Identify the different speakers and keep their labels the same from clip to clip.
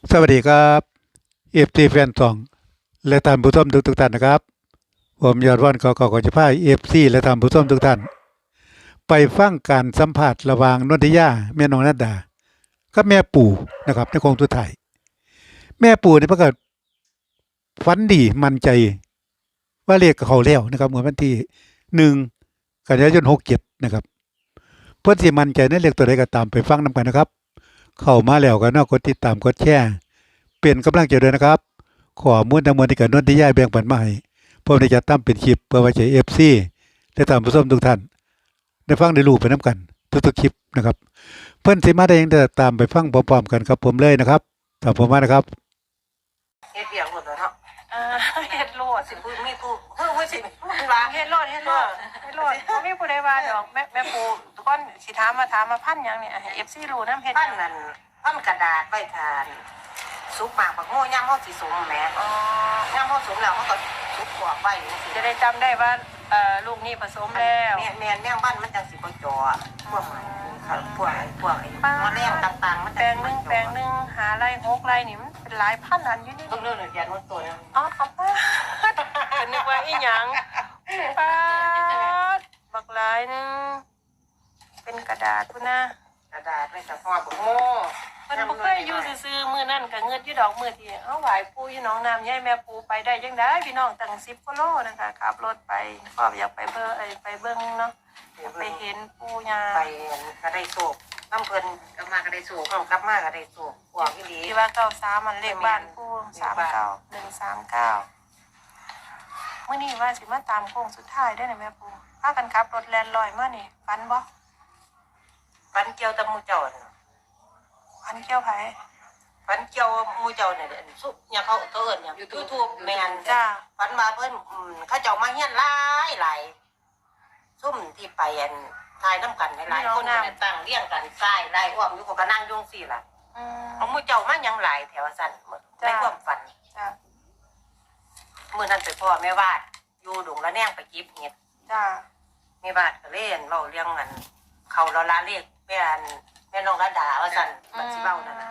Speaker 1: สวัสดีครับเอฟซีแฟนซองและท่านผู้ชมทุกท่านนะครับผมยอดวันขอจะพาเอฟซีและท่านผู้ชมทุกท่านไปฟังการสัมภาษณ์ระหว่างนนทิยาแม่น้องนัดดากับแม่ปู่นะครับในโคงสุดท้ายแม่ปู่นี่เพิ่นก็ฝันดีมั่นใจว่าเลขเขาแล้วนะครับเมื่อวันที่1 กันยายน 67นะครับเพิ่นสิมั่นใจในเลขตัวใดก็ตามไปฟังนำกันนะครับเข้ามาแล้วก็กดติดตามกดแชร์เป็นกำลังใจด้วยนะครับข้อมูลทั้งหมดที่กับนนทิยาแบ่งปันมาให้ผมได้จัดทำเป็นคลิปเพื่อไว้ใช้ FC และท่านผู้ชมทุกท่านได้ฟังได้รู้ไปนํกันทุกๆคลิปนะครับเพิ่นสิมาได้หยังตามไปฟังพร้อมๆกันครับผมเลยนะครับตามผมมานะครับ
Speaker 2: เฮ็ดเบียงหมดแล้วเนาะ
Speaker 3: เออเฮ็ดโลด
Speaker 2: สิพูดมีผู้เพิ่งว่าสิมันว่า
Speaker 3: เฮ็ดโลดบ่มีผู้ใดว่าดอกแม่ปูทุกคนสิถามมาพันหยังนี่ให้ FC รู้นำเฮ็ด
Speaker 2: ปั้นนั่นปั้นกระดาษไว้ทานสุกหมากบักโง่ย่ำเฮาสิสุกแหม
Speaker 3: อ๋อย่
Speaker 2: ำเฮาสุกแล้วเฮาก็สุกกรอบไว้จังซี่
Speaker 3: จะได้จำได้ว่าลูกนี่ผสมแล้ว
Speaker 2: แม่นแม่งบ้านมันจังสิบ่จ่อพวกมันพวกไอ้มะแรงต่างๆมัน
Speaker 3: แปลงนึงหาไร่6ไร่นี่มันเป็นหลายพันอันอยู่นี่
Speaker 2: ต้องเรื่องเรียนมันตัวนึง
Speaker 3: อ๋อเอาไปก็นึกว่าอีหยังป๊าดบักหลายนึงเป็นกระดาษพุ่นนะ
Speaker 2: กระดาษไว้แต่ห่อบักโง่
Speaker 3: มันบ่เคยอยู่ซื่อๆมื้อนั้นก็เงิดอยู่ดอกมื้อที่เฮาไหว้ปู่อยู่หนองน้ำใหญ่แม่ปู่ไปได้จังได๋พี่น้องตั้ง10 กิโลนะคะขับรถไปก็อยากไปเบิ่งเนาะไปเห็นปู่ย่า
Speaker 2: ไปก็ได้โศกน้ำเพิ่นกลับมาก็ได้โศกกลับมาก็ได้โศกพวกอีหลี
Speaker 3: ที่ว่า93มันเลขบ้านปู่39139มื้อนี้ว่าสิมาตามโค้งสุดท้ายได้อแม่ปู่พากันขับรถแล่นลอยมานี่ฝันบ่
Speaker 2: ฟันเกี่ยวตะมูเจ้า
Speaker 3: ฝันเกี่ยวไผ
Speaker 2: ฟันเกี่ยวมูเจ้าเนี่ยสุเนี่ยเขาเอิ้นเนี่ยยูทูบแมน
Speaker 3: จ้า
Speaker 2: ฟันมาเพิ่นเขาเจ้ามาเฮียนหลายซุ่มที่ไปทายน้ำกันหลายคนตั้งเลี้ยงกันทรายหลายอ้อมอยู่ก็นั่งยุ่งสิล่ะของมูเจ้ามายังหลายแถวสั่นในความฝัน
Speaker 3: จ้า
Speaker 2: มื้อนั้นไปพ่อแม่วาดอยู่ดงละแนงไปเก็บเห็ด
Speaker 3: จ้า
Speaker 2: แม่วาดก็เล่นเว้าเรื่องนั้นเขาละลาเลขแม่น้องระดาว่าสั่นมันสิเว้านั่นน่ะ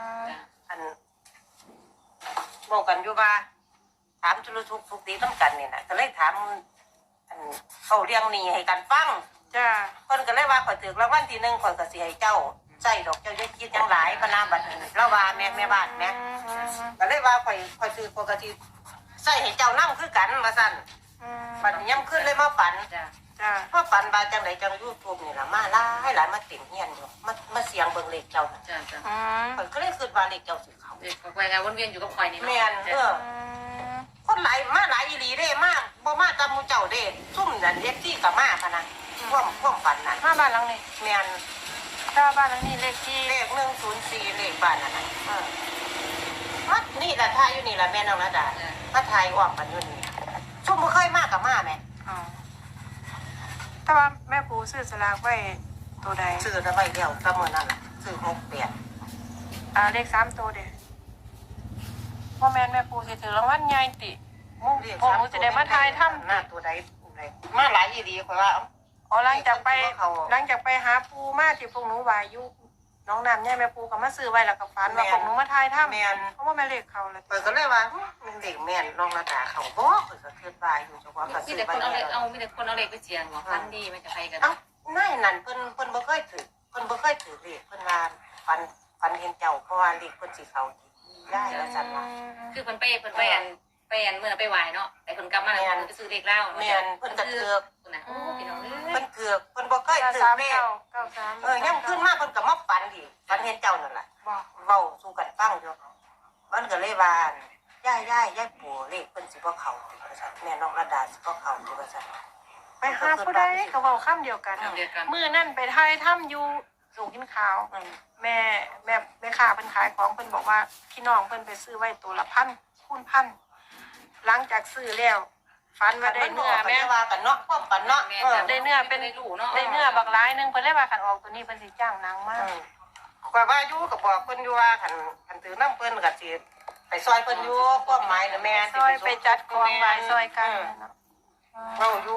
Speaker 2: บอกกันอยู่ว่าถามทุลุทุกทุกตีต้องกันนี่นะก็เลยถามเขาเรียงนี่ให้กันฟัง
Speaker 3: จ้า
Speaker 2: คนก็เลยว่าข่อยถือรางวัลที่1ข่อยก็สิให้เจ้าใส่ดอกเจ้าจะคิดยังหลายพนาบัดนี้แล้วว่าแม่บ้านแม่ก็เลยว่าข่อยถือปกติใส่ให้เจ้านำคือกันว่าซั่นบัดนี้ย่ำขึ้นเลยมาฝัน
Speaker 3: จ้า
Speaker 2: มาฝันว่าจังไดจัง YouTube นี่ล่ะมาหลายมาติ่มเฮียนอยู่มาเสียงเบิ่งเลขเจ้า
Speaker 4: จ้า
Speaker 2: ข่อยก็เลยคิดว่าเลขเจ้าสิเข้า
Speaker 4: เด็กไปงานวนเวียนอยู่กับข่อยนี่
Speaker 2: แม่นคนหลายมาหลายอีหลีเด้มากบ่มาตามหมู่เจ้าเด้ซุ่มนั่นเฮ็ดที่ก็มาพะนะความฝันน่ะ
Speaker 3: มาบ้านหลังนี้
Speaker 2: แม่น
Speaker 3: ถ้าบ้านหลังนี้เลขที่
Speaker 2: เลข104เลขบ้านนั่นน่ะมัดนี่ล่ะทายอยู่นี่ล่ะแม่น้องระดามาทายอ้อมกันอยู่นี่ซุ่มบ่เคยมากับมาแม่
Speaker 3: แต่ว่าแม่ปูซื้อสลากไว้ตัวใด
Speaker 2: ซื้อได้ไว้แล้วก็มื้อนั้นล่ะซื้อ68
Speaker 3: เลข3ตัวเด้พ่อแม่ปูสิถือรางวัลใหญ่ติพวกหนูจะได้มาทายถ้ำ
Speaker 2: หน้าตัวใดมาหลายอีหลีข่อยว่า
Speaker 3: หลังจากไปหาปูมาที่พวกหนูวายุน้องน้ำใหญ่แม่ปูก็มาซื้อไว้แล้วก็ฝันว่าพวกหนูมาทายถ้ำเพราะว่าแม่เลขเขาแล้ว
Speaker 2: เปิดก็เลยว่ามันเด็กแม่นน้องระดาเขาบ่เปิดก็คิดว่าอยู่จังว่าก็
Speaker 4: ซื้อไปมีแต่คนเอาเลขไปเสี่ยงว่าฟันดีมันจะไปกัน
Speaker 2: นายนั่นเพิ่นบ่เคยถือเลขเพิ่นว่าฟันเห็นเจ้าเพราะว่าเลขเพิ่นสิเข้าได้ว่าซั่นว่า
Speaker 4: คือเพิ่นไปเมื่อไปไหวเนาะแต่เพิ่นกลับมาแล้วไปซื้อเลขเล่า
Speaker 2: แม่นเพิ่นก็ถือ
Speaker 4: นะพี่น้อง
Speaker 2: เพิ่นถือเพิ่นบ่เคยถือเลขยังขึ้นมาเพิ่นก็มาฝันดิฝันเห็นเจ้านั่นแหละเว้าสู่กันฟังอยู่มันก็เลยว่ายายปู่เลขเพิ่นสิบ่เข้าว่าซั่นแม่น้องระดาสิบ่เข้าว่าซั่น
Speaker 3: ไปหาผู้ใดก็เว้าคำเดียวกันมื้อนั้นไปทายถ้ำอยู่สูงกินข้าวแม่ค้าเพิ่นขายของเพิ่นบอกว่าพี่น้องเพิ่นไปซื้อไว้ตัวละ1,000 คูณ 1,000หลังจากซื้อแล้วฝันว่าได้เนื้อ
Speaker 2: แม่ว่ากันเนาะความฝันเนาะ
Speaker 3: ได้เนื้อเป็นได้เนื้อบักหลายนึงเพิ่นเลยว่าคันออกตัวนี้เพิ่นสิจ้างนางมา
Speaker 2: กว่าอยู่ก็บอกเพิ่นอยู่ว่าคันถือนำเพิ่นก็สิไปซอยเพิ่นอยู่ความหมายน่ะแม่
Speaker 3: ซอยไปจัดของไว้ซอยกันเนาะ
Speaker 2: เว้าอยู่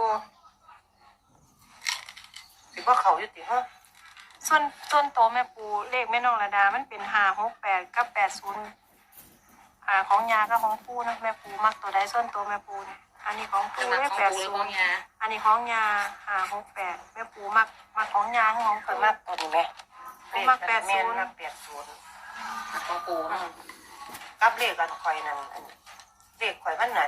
Speaker 2: สิบ่เข้าอยู่ติฮะ
Speaker 3: ส่วนโตแม่ปูเลขแม่น้องระดามันเป็น568กับ80 ของยากับของปูนะแม่ปูมักตัวใดส่วนตัวแม่ปูนี่อันนี้ของปู
Speaker 4: คือมัก
Speaker 3: เลข
Speaker 4: ของ
Speaker 3: แปด
Speaker 4: ปูหรือ
Speaker 3: ศู
Speaker 4: ขอน ง
Speaker 3: ย์
Speaker 4: ยา
Speaker 3: อันนี้ของยา68แม่ปูมักของยาของ
Speaker 2: เพิ่
Speaker 3: ปู
Speaker 2: นมากตัวนี้ไหม
Speaker 3: มัก80
Speaker 2: แม่นมัก80
Speaker 4: ของปูเนาะ
Speaker 2: กับเลขอันข่อยนั่นอันเลขข่อยมันน่ะ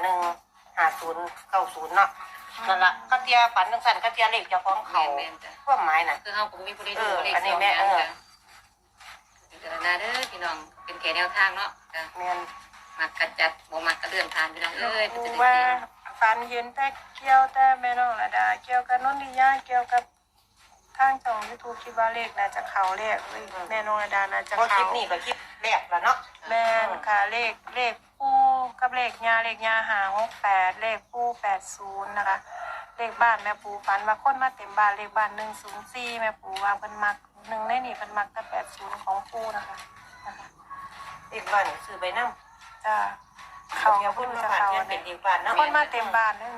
Speaker 2: 5090เนาะนั่นล่ะก็เตียฝันจังซั่นก็เตียเลขเจ้าของเขา
Speaker 4: แม่นจ้ะ
Speaker 2: ความหมายน่ะ
Speaker 4: คือเฮาก็มีผู้ใดดูเลข
Speaker 2: อันนี้
Speaker 4: สอง
Speaker 2: แม่
Speaker 4: อย่างจ้ะพิจารณาเด้อพี่น้องเป็นแค่แนวทางเนาะจ้ะ
Speaker 2: แม่น
Speaker 4: มักกระจัดบ่มักกระเลื่อนผ่านพี่น้องเอ้ย
Speaker 3: ปู
Speaker 4: จะได้
Speaker 3: ว่า
Speaker 4: เก่ง
Speaker 3: ฟันเห็นแต่เกี่ยวแต่แม่น้องระดาเกี่ยวกับนนทิยาเกี่ยวกับทางช่อง YouTube คิดว่าเลขน่าจะเข้าเลขเอ้ยแม่น้องระดาน่าจะ
Speaker 2: บ่คลิ
Speaker 3: เข้า
Speaker 2: ปนี้ก็คลิปแรกแล้วเนาะ
Speaker 3: แม่นค่ะเลขปูกับเลขยา568เลขปู80นะคะเลขบ้านแม่ปูฝันว่าคนมาเต็มบ้านเลขบ้าน104แม่ปูว่าเพิ่นมักหนึ่งในนี่เพิ่นมักแต่80ของปูนะคะนะคะ
Speaker 2: เลขบ้านซื้อไปนำ
Speaker 3: จ้าเขา
Speaker 2: เดี๋ยว
Speaker 3: พู
Speaker 2: เพิ่
Speaker 3: ด
Speaker 2: นมา
Speaker 3: จะ
Speaker 2: บ้าน
Speaker 3: เขา
Speaker 2: เพิ่นเป็
Speaker 3: เนี่ย
Speaker 2: นเลขบ้านเนาะ
Speaker 3: คนมาเต็มบ้านเลย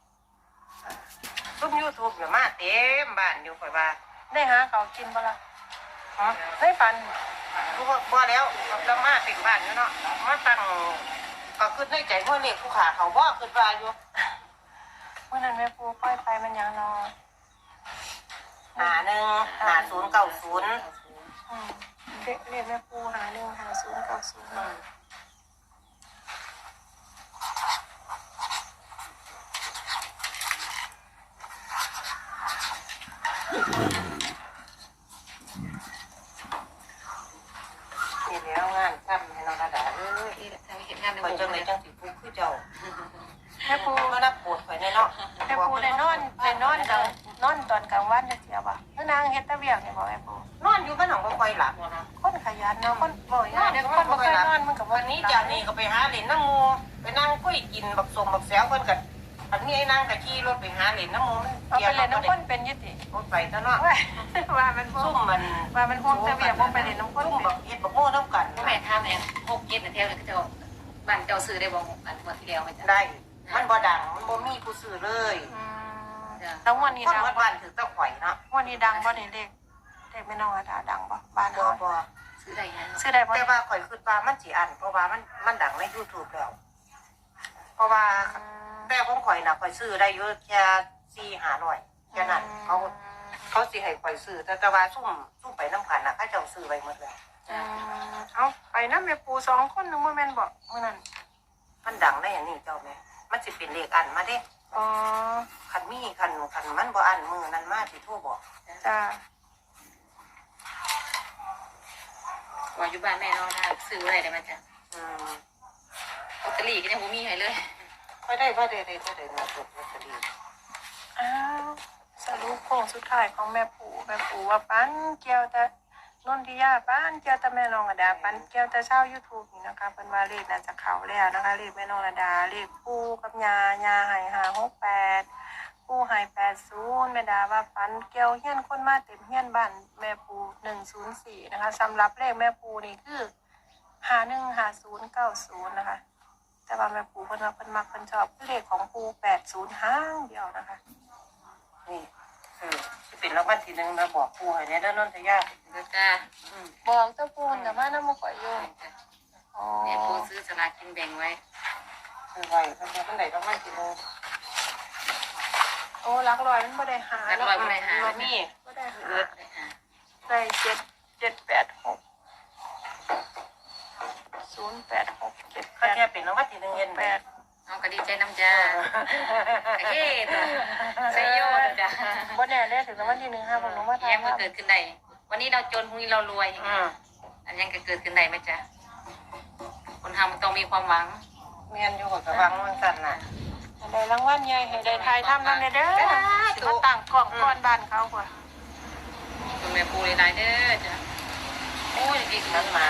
Speaker 2: ซุ่ม YouTube เนี่ยมาเต็มบ้านอยู่ข่อยว่า
Speaker 3: ได้หาเขากินบ่ล่ะ
Speaker 2: ฮะ
Speaker 3: ได้ฝัน
Speaker 2: บ่แล้วเรามาเต็มบ้านอยู่เนาะมาตั้งก็คิดในใจว่าเลขผู้ขาเขาบ่คิดว่าอยู่
Speaker 3: เมื่อนั้นแม่ปูปล่อยไปมันยังนอน
Speaker 2: 515090
Speaker 3: เรียกแม่ปู515090
Speaker 2: นี่แล้วงานทำให้น้องระดาเอ้ย
Speaker 4: ที่ทางเฮ็ดงานใน
Speaker 2: ข่อย
Speaker 4: วง
Speaker 2: จังได๋
Speaker 4: เลย
Speaker 2: จังสิผู้คือเจ้า
Speaker 3: แม่ปู
Speaker 2: บ่รับปวดข่อยแน่เนาะ
Speaker 3: แม่ปูได้นอนนอนตอนกลางวันจะเสียบ่คือนางเฮ็ดแตะเวียกนี่บ่แม่ปู
Speaker 2: นอนอยู่บ้านหนองบ่ค่อยหลับนะ
Speaker 3: คนขยันเนาะคนบ่ยากเดี๋ยวคนบ่เคยนอนมันก็บ่
Speaker 2: วันนี้จากนี้ก็ไปหาเล่นน้ำหมูไปนั่งคุยกินบักสมบักแซวเพิ่นก็อันนี้ไอ้นางก็ขี่รถไปหาเล่นน้ำหมูมัน
Speaker 3: เอาไปเล่นน้ำคนเป็นยุติ
Speaker 2: รถไปซะเนาะ
Speaker 3: ว่ามันบ่
Speaker 2: ซุ่มมัน
Speaker 3: ว่ามันห่วงแต่เวียกบ่ไปเล่นน้ำคน
Speaker 2: ซุ่ม
Speaker 3: เป็
Speaker 2: บั
Speaker 3: น
Speaker 2: กเฮ็ดบักโม่น้ำกัน
Speaker 4: แม่ถามแม่6 7น่ะแถวนั้นเจ้าบ้านเจ้าซื้อได้บ่อันงวดที่แล้วไหมจ้ะ
Speaker 2: ได้มันบ่ดังมันบ่มีผู้ซื้อเลย
Speaker 3: แล้ววันนี้
Speaker 2: คน
Speaker 3: ดัง
Speaker 2: วัดบ้านถือตะข่อยเนาะ
Speaker 3: วันนี้ดังบ่นี่เลขไม่น้องอาดาดังบ่บ้าน
Speaker 2: บ่
Speaker 3: เฮา
Speaker 2: บ่
Speaker 4: ซื้อได้ยัง
Speaker 3: ซื้อได้บ่
Speaker 2: แต่ว่าข่อยคิดว่ามันสิอันเพราะว่ามันดังใน YouTube แล้วเพราะว่าแต่ของข่อยน่ะข่อยซื้อได้อยู่แค่4-500แค่นั้นเขาสิให้ข่อยซื้อแต่ว่าซุ่มไปน้ำกันน่ะเขาเจ้าซื้อไว้หมดแล้ว
Speaker 3: เอาไปนำแม่ปู2คนนึงบ่แม่นบ่มื้อนั้น
Speaker 2: มันดังได้อย่างนี้เจ้าแม่มันสิเป็นเลขอันมาเด้
Speaker 3: อ๋อ
Speaker 2: คันมีคันมันบ่อันมือนั้นมาสิโทรบอก
Speaker 3: จ้า
Speaker 4: ว่าอยู่บ้านแม่เนาะถ้าซื้ออะไรได้มาจ้ะ
Speaker 2: อืม
Speaker 4: ลอตเตอรี่ก็ยังบ่มีให้เลย
Speaker 2: ค่อยได้มาตัวลอตเตอรี่
Speaker 3: อ้าวสรุปโค้งสุดท้ายของแม่ปูว่าปันเกี่ยวแต่นนทิยาปันเกี่ยวแต่แม่น้องอาดาปันเกี่ยวแต่ชาว YouTube นี่นะคะเพิ่นว่าเลขน่าจะเข้าแล้วนะคะเลขแม่น้องอาดาเลขปูกับยาให้568ปูให้80แม่ดาว่าปันเกี่ยวเฮียนคนมาเต็มเฮียนบ้านแม่ปู104นะคะสำหรับเลขแม่ปูนี่คือ515090นะคะแต่ว่าแม่ปูเพิ่นว่าเพิ่นมักเพิ่นชอบคือเลขของปู80ห้างเดียวนะคะ
Speaker 2: นี่สิเป็นรางวัลที่หนึ่งนะบอกผู้ให้ในด้านนนทยา
Speaker 4: เด้อจ้า
Speaker 3: บอกเจ้าปูนแต่มาน้ำมันก่อยโยมอ๋อ
Speaker 4: แม่ปูซื้อสลากกินแบ่งไว้
Speaker 2: คือไว้ถ้าเป็นไหนรางวัลที่หนึ่ง
Speaker 3: โอ้รักรอยมันไม่ได้หา
Speaker 4: รักร้อยบ่ได้หา
Speaker 2: บ่มี
Speaker 3: ไม่ได้หา
Speaker 4: ได้หา
Speaker 3: ได้786 086
Speaker 2: ก็แค่เป็นรางวัลที่หนึ่งเห็นไหม
Speaker 3: 78
Speaker 4: เอาก็ดีใจน้ำจ้าเฮ้ตัวใส่โยดจ้ะ
Speaker 3: บ่แน่ได้ถึงรางวัลที่1ค่ะผมรู้ว่า
Speaker 4: แย้มก็เกิดขึ้นได้วันนี้เราจนพรุ่งนี้เรารวย อันยังก็เกิดขึ้นได้ไหมจ๊ะคนทำมันต้องมีความหวัง
Speaker 2: เมียนอยู่กับวังมันสั่นน่ะ
Speaker 3: ได้รางวัลใหญ่ให้ได้ทายทำนั่นเด้อสิมาตั้งกล่องก้อนบ้านเขากว่า
Speaker 4: คุณแม่ปูหลายๆเด้อจ้ะโอ้ยอีก
Speaker 2: มันหมาน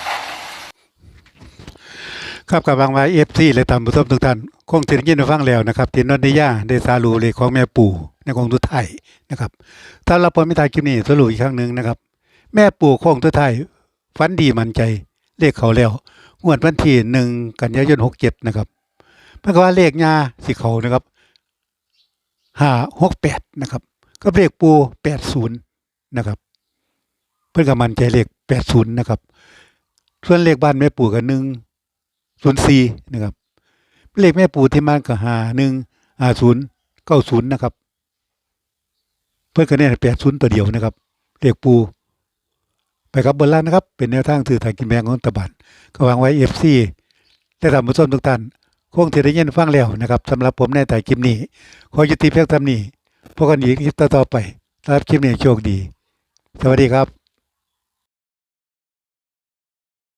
Speaker 1: ครับกับบางว่า FC และตามผู้ชมทุกท่านคงสิได้ยินได้ฟังแล้วนะครับที่นนทิยาได้สารุเลขของแม่ปู่ในของทุกไทยนะครับถ้าเราพอไม่ทายคลิปนี้สรุปอีกครั้งหนึงนะครับ แม่ปู่ของทุกไทยฝันดีมั่นใจเลขเขาแล้วงวดวันที่1กันยายน67นะครับเพิ่นก็ว่าเลขยาสิเขานะครับ568นะครับก็เลขปู่80นะครับเพิ่นก็มั่นใจเลข80นะครับส่วนเลขบ้านแม่ปู่ก็ 04นะครับเลขแม่ปู่ที่มันก็515090นะครับเพิ่นก็เน้น80ตัวเดียวนะครับเลขปู่ไปครับบนล่างนะครับเป็นแนวทางสื่อทางกินแบงของรัฐบาลก็วางไว้ FC และท่านผู้ชมทุกท่านคงสิได้ยินฟังแล้วนะครับสำหรับผมในแต่คลิปนี้ขอยุติเพียงเท่านี้พบกันอีกคลิปต่อๆไปสำหรับคลิปนี้โชคดีสวัสดีครับ